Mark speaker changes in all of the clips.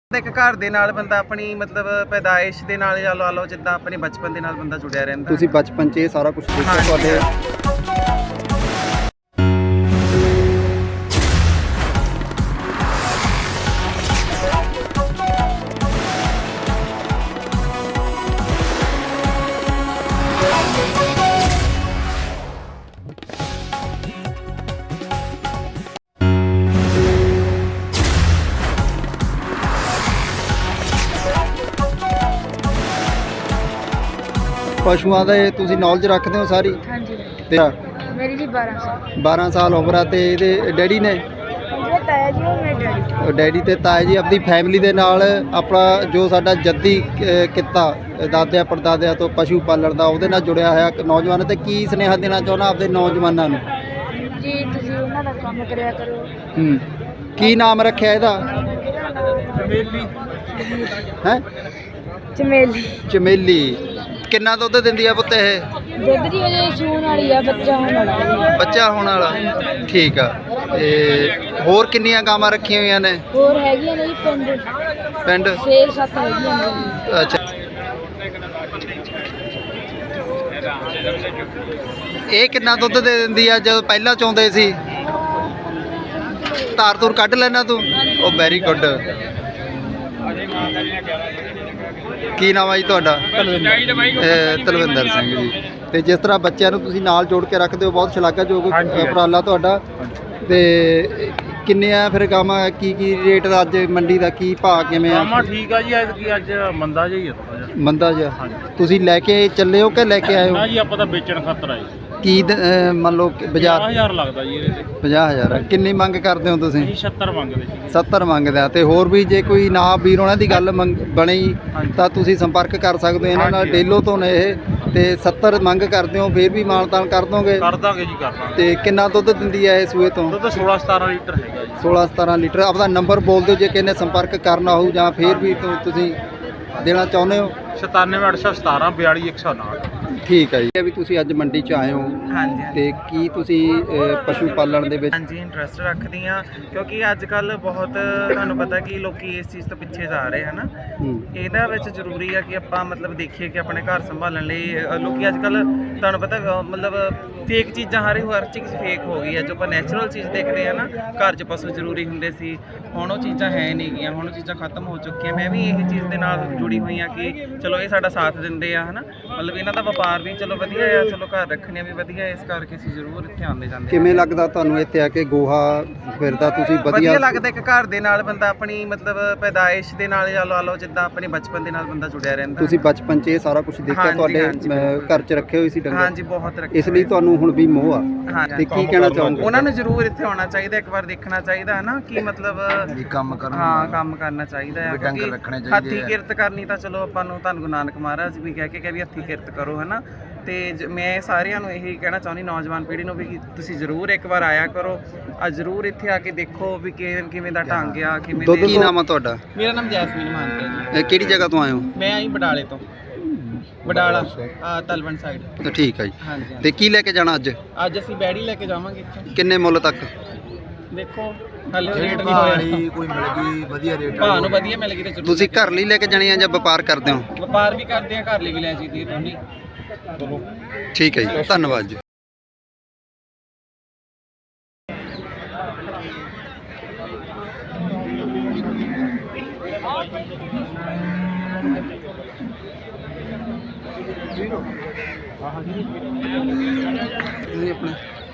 Speaker 1: ਇੱਕ ਘਰ ਦੇ ਨਾਲ ਬੰਦਾ ਆਪਣੀ ਮਤਲਬ ਪੈਦਾਇਸ਼ ਦੇ ਨਾਲ ਜਾਂ ਲਾ ਲਓ ਜਿੱਦਾਂ ਆਪਣੇ ਬਚਪਨ ਦੇ ਨਾਲ ਬੰਦਾ ਜੁੜਿਆ ਰਹਿੰਦਾ।
Speaker 2: ਤੁਸੀਂ ਬਚਪਨ 'ਚ ਇਹ ਸਾਰਾ ਕੁਝ ਦੇਖਿਆ ਤੁਹਾਡੇ ਪਸ਼ੂਆਂ ਦੇ ਤੁਸੀਂ ਨੌਲੇਜ ਰੱਖਦੇ ਹੋ ਸਾਰੀ?
Speaker 3: ਹਾਂਜੀ
Speaker 2: ਤੇ
Speaker 3: ਮੇਰੀ ਜੀ 12 ਸਾਲ
Speaker 2: 12 ਸਾਲ ਉਮਰ ਆ ਤੇ ਇਹਦੇ ਡੈਡੀ ਨੇ
Speaker 3: ਮੇਰੇ ਤਾਇਆ ਜੀ ਉਹ ਮੇਰੇ ਡੈਡੀ
Speaker 2: ਡੈਡੀ ਤੇ ਤਾਇਆ ਜੀ ਆਪਣੀ ਫੈਮਿਲੀ ਦੇ ਨਾਲ ਆਪਣਾ ਜੋ ਸਾਡਾ ਜੱਦੀ ਕਿੱਤਾ ਦਾਦਿਆਂ ਪੜਦਾਦਿਆਂ ਤੋਂ ਪਸ਼ੂ ਪਾਲਣ ਦਾ ਉਹਦੇ ਨਾਲ ਜੁੜਿਆ ਹੋਇਆ ਨੌਜਵਾਨ ਤੇ ਕੀ ਸੁਨੇਹਾ ਦੇਣਾ ਚਾਹੁੰਦਾ ਆਪਦੇ ਨੌਜਵਾਨਾਂ ਨੂੰ?
Speaker 3: ਜੀ ਤੁਸੀਂ ਉਹਨਾਂ ਦਾ ਕੰਮ ਕਰਿਆ ਕਰੋ।
Speaker 2: ਕੀ ਨਾਮ ਰੱਖਿਆ ਇਹਦਾ?
Speaker 3: ਚਮੇਲੀ
Speaker 2: ਹੈ
Speaker 3: ਚਮੇਲੀ
Speaker 2: ਚਮੇਲੀ। ਕਿੰਨਾ ਦੁੱਧ ਦਿੰਦੀ ਆ ਪੁੱਤ ਇਹ?
Speaker 3: ਦੁੱਧ ਦੀ ਅਜੇ ਸੂਣ ਵਾਲੀ ਆ, ਬੱਚਾ ਹੋਣ ਵਾਲਾ।
Speaker 2: ਬੱਚਾ ਹੋਣ ਵਾਲਾ, ਠੀਕ ਆ। ਤੇ ਹੋਰ ਕਿੰਨੀਆਂ ਗਾਵਾਂ ਰੱਖੀਆਂ ਹੋਈਆਂ ਨੇ?
Speaker 3: ਹੋਰ ਹੈਗੀਆਂ ਨੇ ਜੀ ਪਿੰਡ 6-7 ਹੈਗੀਆਂ ਨੇ।
Speaker 2: ਅੱਛਾ, ਇਹ ਕਿੰਨਾ ਦੁੱਧ ਦੇ ਦਿੰਦੀ ਆ ਜਦੋਂ ਪਹਿਲਾਂ ਚੋਂਦੇ ਸੀ? ਧਾਰ ਧੂਰ ਕੱਢ ਲੈਣਾ ਤੂੰ? ਉਹ ਵੈਰੀ ਗੁੱਡ। ਕੀ ਨਾਮ ਆ ਜੀ ਤੁਹਾਡਾ? ਤਲਵਿੰਦਰ ਸਿੰਘ ਜੀ। ਤੇ ਜਿਸ ਤਰ੍ਹਾਂ ਬੱਚਿਆਂ ਨੂੰ ਤੁਸੀਂ ਨਾਲ ਜੋੜ ਕੇ ਰੱਖਦੇ ਹੋ, ਬਹੁਤ ਸ਼ਲਾਘਾਯੋਗ ਉਪਰਾਲਾ ਤੁਹਾਡਾ। ਤੇ ਕਿੰਨੇ ਆ ਫਿਰ ਗਾਵਾਂ? ਕੀ ਰੇਟ ਦਾ ਅੱਜ ਮੰਡੀ ਦਾ ਕੀ ਭਾਅ ਕਿਵੇਂ ਆ?
Speaker 4: ਗਾਵਾਂ ਠੀਕ ਆ ਜੀ, ਅੱਜ ਮੰਦਾ ਜਿਹਾ ਹੀ ਆ ਥੋੜਾ ਜਿਹਾ।
Speaker 2: ਮੰਦਾ ਜਿਹਾ? ਤੁਸੀਂ ਲੈ ਕੇ ਚੱਲੇ ਹੋ ਕਿ ਲੈ ਕੇ ਆਏ ਹੋ?
Speaker 4: ਨਾ ਜੀ ਆਪਾਂ ਤਾਂ ਵੇਚਣ ਖਾਤਰ ਆਏ।
Speaker 2: ਕੀ ਮੰਨ ਲਓ ਬਾਜ਼ਾਰ
Speaker 4: 50000 ਲੱਗਦਾ ਜੀ ਇਹਦੇ ਤੇ।
Speaker 2: 50000 ਕਿੰਨੀ ਮੰਗ ਕਰਦੇ ਹੋ ਤੁਸੀਂ?
Speaker 4: ਅਸੀਂ 70 ਮੰਗਦੇ ਸੀ।
Speaker 2: 70 ਮੰਗਦੇ ਆ। ਤੇ ਹੋਰ ਵੀ ਜੇ ਕੋਈ ਨਾ ਵੀਰ ਉਹਨਾਂ ਦੀ ਗੱਲ ਬਣੀ ਤਾਂ ਤੁਸੀਂ ਸੰਪਰਕ ਕਰ ਸਕਦੇ ਹੋ ਇਹਨਾਂ ਨਾਲ। ਡੇਲੋ ਤੋਂ ਨੇ ਇਹ ਤੇ 70 ਮੰਗ ਕਰਦੇ ਹੋ, ਫਿਰ ਵੀ ਮਾਨਤਾਨ ਕਰ ਦੋਗੇ?
Speaker 4: ਕਰ ਦਾਂਗੇ ਜੀ, ਕਰ ਦਾਂਗੇ।
Speaker 2: ਤੇ ਕਿੰਨਾ ਦੁੱਧ ਦਿੰਦੀ ਹੈ ਇਹ ਸੂਏ ਤੋਂ?
Speaker 4: ਦੁੱਧ 16-17 ਲੀਟਰ ਹੈਗਾ ਜੀ।
Speaker 2: 16-17 ਲੀਟਰ। ਆਪਦਾ ਨੰਬਰ ਬੋਲ ਦਿਓ ਜੇ ਕਿਸੇ ਨੇ ਸੰਪਰਕ ਕਰਨਾ ਹੋਊ ਜਾਂ ਫਿਰ ਵੀ ਤੁਸੀਂ ਦੇਣਾ ਚਾਹੁੰਦੇ ਹੋ?
Speaker 4: 97817 42159।
Speaker 2: ਠੀਕ ਹੈ ਜੀ। ਵੀ ਤੁਸੀਂ ਅੱਜ ਮੰਡੀ 'ਚ ਆਏ ਹੋ
Speaker 1: ਹਾਂਜੀ
Speaker 2: ਤੇ ਕੀ ਤੁਸੀਂ ਪਸ਼ੂ ਪਾਲਣ ਦੇ ਵਿੱਚ
Speaker 1: ਹਾਂਜੀ ਇੰਟਰਸਟ ਰੱਖਦੀ ਆ, ਕਿਉਂਕਿ ਅੱਜ ਕੱਲ ਬਹੁਤ ਤੁਹਾਨੂੰ ਪਤਾ ਕਿ ਲੋਕੀ ਇਸ ਚੀਜ਼ ਤੋਂ ਪਿੱਛੇ ਜਾ ਰਹੇ ਹਨ। ਇਹਦਾ ਵਿੱਚ ਜ਼ਰੂਰੀ ਆ ਕਿ ਆਪਾਂ ਮਤਲਬ ਦੇਖੀਏ ਕਿ ਆਪਣੇ ਘਰ ਸੰਭਾਲਣ ਲਈ ਲੋਕੀ ਅੱਜ ਕੱਲ ਤੁਹਾਨੂੰ ਪਤਾ ਮਤਲਬ ਫੇਕ ਚੀਜ਼ਾਂ ਹਰ ਚੀਜ਼ ਫੇਕ ਹੋ ਗਈ ਹੈ। ਜੋ ਆਪਾਂ ਨੈਚੁਰਲ ਚੀਜ਼ ਦੇਖਦੇ ਆ ਨਾ, ਘਰ 'ਚ ਪਸ਼ੂ ਜ਼ਰੂਰੀ ਹੁੰਦੇ ਸੀ, ਹੁਣ ਉਹ ਚੀਜ਼ਾਂ ਹੈ ਨਹੀਂ ਗੀਆਂ, ਹੁਣ ਉਹ ਚੀਜ਼ਾਂ ਖਤਮ ਹੋ ਚੁੱਕੀਆਂ। ਮੈਂ ਵੀ ਇਹ ਚੀਜ਼ ਦੇ ਨਾਲ ਜੁੜੀ ਹੋਈ ਆ ਕਿ ਚਲੋ ਇਹ ਸਾਡਾ ਸਾਥ ਦਿੰਦੇ ਆ, ਹਨਾ। ਮਤਲਬ ਇਹਨਾਂ ਦਾ ਵਪਾਰ ਵੀ ਚਲੋ ਵਧੀਆ ਆ, ਚਲੋ ਘਰ ਰੱਖਣੇ ਵੀ ਵਧੀਆ, ਇਸ ਕਰਕੇ ਅਸੀਂ ਜ਼ਰੂਰ ਇੱਥੇ ਆਉਂਦੇ ਜਾਂਦੇ।
Speaker 2: ਕਿਵੇਂ ਲੱਗਦਾ ਤੁਹਾਨੂੰ ਇੱਥੇ ਆ ਕੇ ਗੋਹਾ ਫਿਰਦਾ? ਤੁਸੀਂ
Speaker 1: ਵਧੀਆ ਲੱਗਦਾ ਇੱਕ ਘਰ ਦੇ ਨਾਲ ਬੰਦਾ ਆਪਣੀ ਮਤਲਬ ਪੈਦਾਇਸ਼ ਦੇ ਨਾਲ ਜਾਂ ਲਾ ਲਓ ਜਿੱਦਾਂ ਆਪਣੇ ਬਚਪਨ ਦੇ ਨਾਲ ਬੰਦਾ ਜੁੜਿਆ ਰਹਿੰਦਾ।
Speaker 2: ਤੁਸੀਂ ਬਚਪਨ 'ਚ ਇਹ ਸਾਰਾ ਕੁਝ ਦੇਖਿਆ? ਤੁਹਾਡੇ ਘਰ 'ਚ ਰੱਖੇ ਹੋਏ ਸੀ ਡੰਗਰ?
Speaker 1: ਹਾਂਜੀ, ਬਹੁਤ ਰੱਖੇ।
Speaker 2: ਇਸ ਲਈ ਤੁਹਾਨੂੰ ਹੁਣ ਵੀ ਮੋਹ ਆ। ਤੇ ਕੀ ਕਹਿਣਾ ਚਾਹੋਗੇ? ਉਹਨਾਂ
Speaker 1: ਨੂੰ ਜ਼ਰੂਰ ਇੱਥੇ ਆਉਣਾ ਚਾਹੀਦਾ, ਇੱਕ ਵਾਰ ਦੇਖਣਾ ਚਾਹੀਦਾ ਹੈ ਨਾ ਕਿ ਮਤਲਬ
Speaker 2: ਕੰਮ ਕਰਨਾ।
Speaker 1: ਹਾਂ, ਕੰਮ ਕਰਨਾ ਚਾਹੀਦਾ ਹੈ।
Speaker 2: ਡੰਗਰ ਰੱਖਣੇ ਚਾਹੀਦੇ।
Speaker 1: ਹੱਥੀਂ ਕਿਰਤ ਕਰਨੀ ਤਾਂ ਚਲੋ ਆਪਾਂ ਨੂੰ ਧੰਨ ਗੁਰੂ ਨਾਨਕ ਮਹਾਰਾਜ ਵੀ ਕਹਿ ਕੇ ਵੀ ਹੱਥੀਂ ਕਿਰਤ ਕਰੋ, ਹਨਾ। ਤੇ ਮੈਂ ਸਾਰਿਆਂ ਨੂੰ ਇਹੀ ਕਹਿਣਾ ਚਾਹੁੰਦੀ, ਨੌਜਵਾਨ ਪੀੜ੍ਹੀ ਨੂੰ ਵੀ ਕਿ ਤੁਸੀਂ ਜ਼ਰੂਰ ਇੱਕ ਵਾਰ ਆਇਆ ਕਰੋ। ਅੱਜ ਜ਼ਰੂਰ ਇੱਥੇ ਆ ਕੇ ਦੇਖੋ ਵੀ ਕਿਵੇਂ ਦਾ ਢੰਗ ਆ, ਕਿਵੇਂ ਦੇ।
Speaker 2: ਕੀ ਨਾਮ ਆ ਤੁਹਾਡਾ?
Speaker 1: ਮੇਰਾ ਨਾਮ ਜੈਸਮੀਨ ਮਾਨਤਾ ਜੀ।
Speaker 2: ਕਿਹੜੀ ਜਗ੍ਹਾ ਤੋਂ ਆਏ ਹੋ?
Speaker 1: ਮੈਂ ਆਈ ਬਡਾਲੇ ਤੋਂ, ਬਡਾਲਾ ਤਲਵੰਡ ਸਾਈਡ।
Speaker 2: ਠੀਕ ਹੈ ਜੀ।
Speaker 1: ਹਾਂਜੀ।
Speaker 2: ਤੇ ਕੀ ਲੈ ਕੇ ਜਾਣਾ ਅੱਜ?
Speaker 1: ਅੱਜ ਅਸੀਂ ਬੈੜੀ ਲੈ ਕੇ ਜਾਵਾਂਗੇ ਇੱਥੋਂ।
Speaker 2: ਕਿੰਨੇ ਮੁੱਲ ਤੱਕ?
Speaker 1: ਦੇਖੋ ਹਾਲੇ ਰੇਟ ਨਹੀਂ ਹੋਇਆ।
Speaker 2: ਕੋਈ ਮਿਲ ਗਈ ਵਧੀਆ ਰੇਟ?
Speaker 1: ਭਾਅ ਨੂੰ ਵਧੀਆ ਮਿਲ ਗਈ ਤੇ ਜ਼ਰੂਰ।
Speaker 2: ਤੁਸੀਂ ਘਰ ਲਈ ਲੈ ਕੇ ਜਾਣੀ ਆ ਜਾਂ ਵਪਾਰ ਕਰਦੇ ਹੋ?
Speaker 1: ਵਪਾਰ ਵੀ ਕਰਦੇ ਆ, ਘਰ ਲਈ ਵੀ ਲੈ ਜਾਂਦੀ ਹੈ ਦੋਨੇ।
Speaker 2: ਠੀਕ ਹੈ ਜੀ, ਧੰਨਵਾਦ ਜੀ। ਆਪਣੇ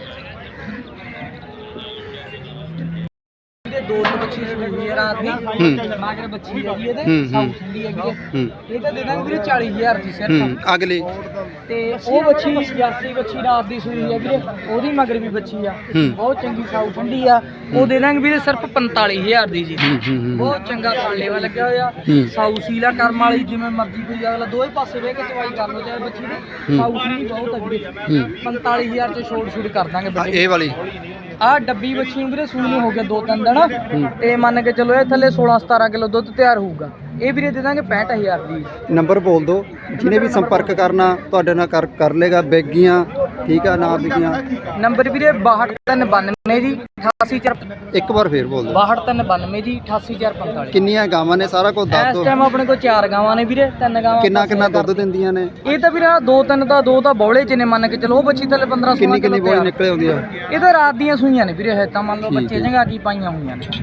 Speaker 5: ਦੋ ਬੱਚੀ ਸੂਈ ਹੈ ਰਾਤ ਦੀ ਮਾਗਰ ਬੱਚੀ ਹੈਗੀ ਇਹਦੇ ਸਾਊ ਠੰਡੀ ਹੈਗੀ ਇਹ ਤਾਂ ਦੇ ਦਾਂਗੇ ਵੀਰੇ 40000 ਦੀ ਸਿਰਫ।
Speaker 2: ਅਗਲੀ
Speaker 5: ਤੇ ਉਹ ਬੱਚੀ ਜਰਸੀ ਬੱਚੀ ਰਾਤ ਦੀ ਸੂਈ ਹੈ ਵੀਰੇ, ਉਹਦੀ ਮਗਰ ਵੀ ਬੱਚੀ ਆ, ਬਹੁਤ ਚੰਗੀ ਸਾਊ ਠੰਡੀ ਆ, ਉਹ ਦੇ ਦਾਂਗੇ ਵੀਰੇ ਸਿਰਫ 45000 ਦੀ ਜੀ। ਬਹੁਤ ਚੰਗਾ ਥਾਲੇਵਾ ਲੱਗਿਆ ਹੋਇਆ, ਸਾਊ ਸੀਲਾ ਕਰਮ ਵਾਲੀ, ਜਿਵੇਂ ਮਰਜ਼ੀ ਕੋਈ ਅਗਲਾ ਦੋਵੇਂ ਪਾਸੇ ਵੇਖ ਕੇ ਚਵਾਈ ਕਰ ਲਓ ਚਾਹੇ ਬੱਚੀ ਦੇ। ਸਾਊ ਠੰਡੀ ਬਹੁਤ ਹੈ ਵੀਰੇ, 45000 ਚ ਛੋੜ ਕਰ ਦਾਂਗੇ।
Speaker 2: ਇਹ ਵਾਲੀ
Speaker 5: ਆਹ ਡੱਬੀ ਬੱਚੀ ਨੂੰ ਵੀਰੇ ਸੂਈ ਨੂੰ ਹੋ ਗਿਆ 2-3 ਦਿਨ, ਤੇ ਮੰਨ ਕੇ ਚਲੋ ਇਹ ਥੱਲੇ 16-17 ਕਿਲੋ ਦੁੱਧ ਤਿਆਰ ਹੋਊਗਾ। ਇਹ ਵੀਰੇ ਦੇ ਦਾਂਗੇ 65000 ਦੀ।
Speaker 2: ਨੰਬਰ ਬੋਲ ਦਿਓ, ਜਿਹਨੇ ਵੀ ਸੰਪਰਕ ਕਰਨਾ ਤੁਹਾਡੇ ਨਾਲ ਕਰ ਲੇਗਾ। ਬੈਗੀਆਂ ਠੀਕ ਆ, ਨਾਮ ਲਿਖੀਆਂ।
Speaker 5: ਨੰਬਰ ਵੀਰੇ 6292 ਜੀ 884
Speaker 2: ਇੱਕ ਵਾਰ ਫੇਰ ਬੋਲ ਦਿਓ।
Speaker 5: 6292 ਜੀ 88445।
Speaker 2: ਕਿੰਨੀਆਂ ਗਾਵਾਂ ਨੇ, ਸਾਰਾ ਕੁਝ ਦੱਸ
Speaker 5: ਇਸ
Speaker 2: ਦਿਓ।
Speaker 5: ਟਾਈਮ ਆਪਣੇ ਕੋਲ 4 ਗਾਵਾਂ ਨੇ ਵੀਰੇ, 3 ਗਾਵਾਂ
Speaker 2: ਕਿੰਨਾ ਦੁੱਧ ਦਿੰਦੀਆਂ ਨੇ?
Speaker 5: ਇਹ ਤਾਂ ਵੀਰੇ 2-3 ਤਾਂ 2 ਤਾਂ ਬੌਲੇ ਚ ਨੇ, ਮੰਨ ਕੇ ਚਲੋ। ਉਹ ਬੱਚੀ ਥੱਲੇ 15 16
Speaker 2: ਕਿੰਨੀ ਬੋਲੀ ਨਿਕਲੇ ਆਉਂਦੀ ਆ?
Speaker 5: ਇਹ ਤਾਂ ਰਾਤ ਦੀਆਂ ਸੂਈਆਂ ਨੇ ਵੀਰੇ, ਹੈ ਤਾਂ ਮੰਨ ਲਓ
Speaker 2: ਠੀਕ
Speaker 5: ਬੱਚੇ
Speaker 2: ਹੈ।
Speaker 5: ਜੰਗਾ ਕੀ ਪਾਈਆਂ ਹੋਈਆਂ ਨੇ।